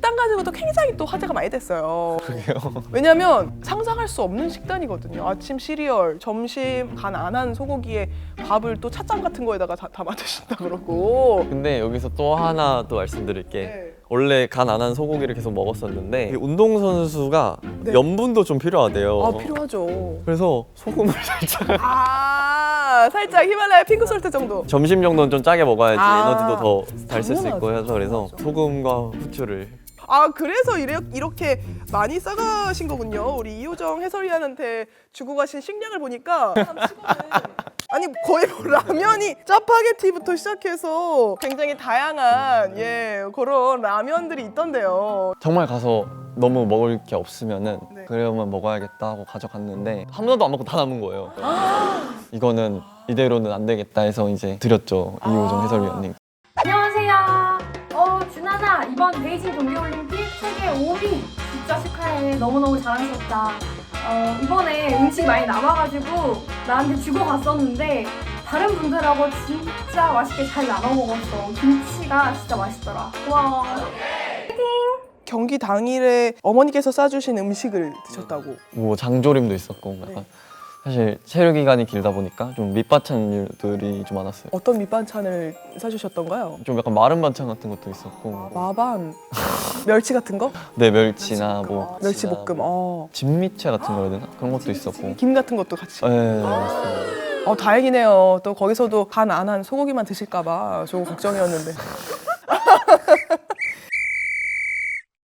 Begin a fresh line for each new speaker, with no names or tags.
식단 가지고도 굉장히 또 화제가 많이 됐어요.
그게요.
왜냐면 상상할 수 없는 식단이거든요. 아침 시리얼, 점심 간 안 한 소고기에 밥을 또 찻잔 같은 거에다가 담아 드신다 그러고.
근데 여기서 또 하나 또 말씀드릴 게
네.
원래 간 안 한 소고기를 계속 먹었었는데 운동선수가
네.
염분도 좀 필요하대요.
아, 필요하죠.
그래서 소금을 살짝
살짝 히말라야 핑크솔트 정도.
점심 정도는 좀 짜게 먹어야지
아,
에너지도 더 잘 쓸 수 있고
당연하죠.
해서 그래서
당연하죠.
소금과 후추를
그래서 이렇게 많이 싸가신 거군요. 우리 이효정 해설위원한테 주고 가신 식량을 보니까 아니 거의 뭐 라면이 짜파게티부터 시작해서 굉장히 다양한 그런 라면들이 있던데요.
정말 가서 너무 먹을 게 없으면은
네.
그러면 먹어야겠다 하고 가져갔는데 하나도 안 먹고 다 남은 거예요. 이거는 이대로는 안 되겠다 해서 이제 드렸죠. 이호정 해설위원님.
안녕하세요. 준하나 이번 베이징 동계올림픽 세계 5위 진짜 축하해. 너무너무 자랑스럽다. 이번에 음식 많이 남아가지고 나한테 주고 갔었는데 다른 분들하고 진짜 맛있게 잘 나눠 먹었어. 김치가 진짜 맛있더라. 고마워.
경기 당일에 어머니께서 싸주신 음식을 드셨다고.
뭐 장조림도 있었고 약간 사실 체류 기간이 길다 보니까 좀 밑반찬들이 좀 많았어요.
어떤 밑반찬을 싸주셨던가요?
좀 약간 마른 반찬 같은 것도 있었고
마반, 멸치 같은 거?
네 멸치나 뭐
멸치볶음.
진미채 같은 거 해야 되나? 그런 것도 있었고
김 같은 것도 같이.
네 맞습니다.
다행이네요. 또 거기서도 간 안 한 소고기만 드실까봐 조금 걱정이었는데.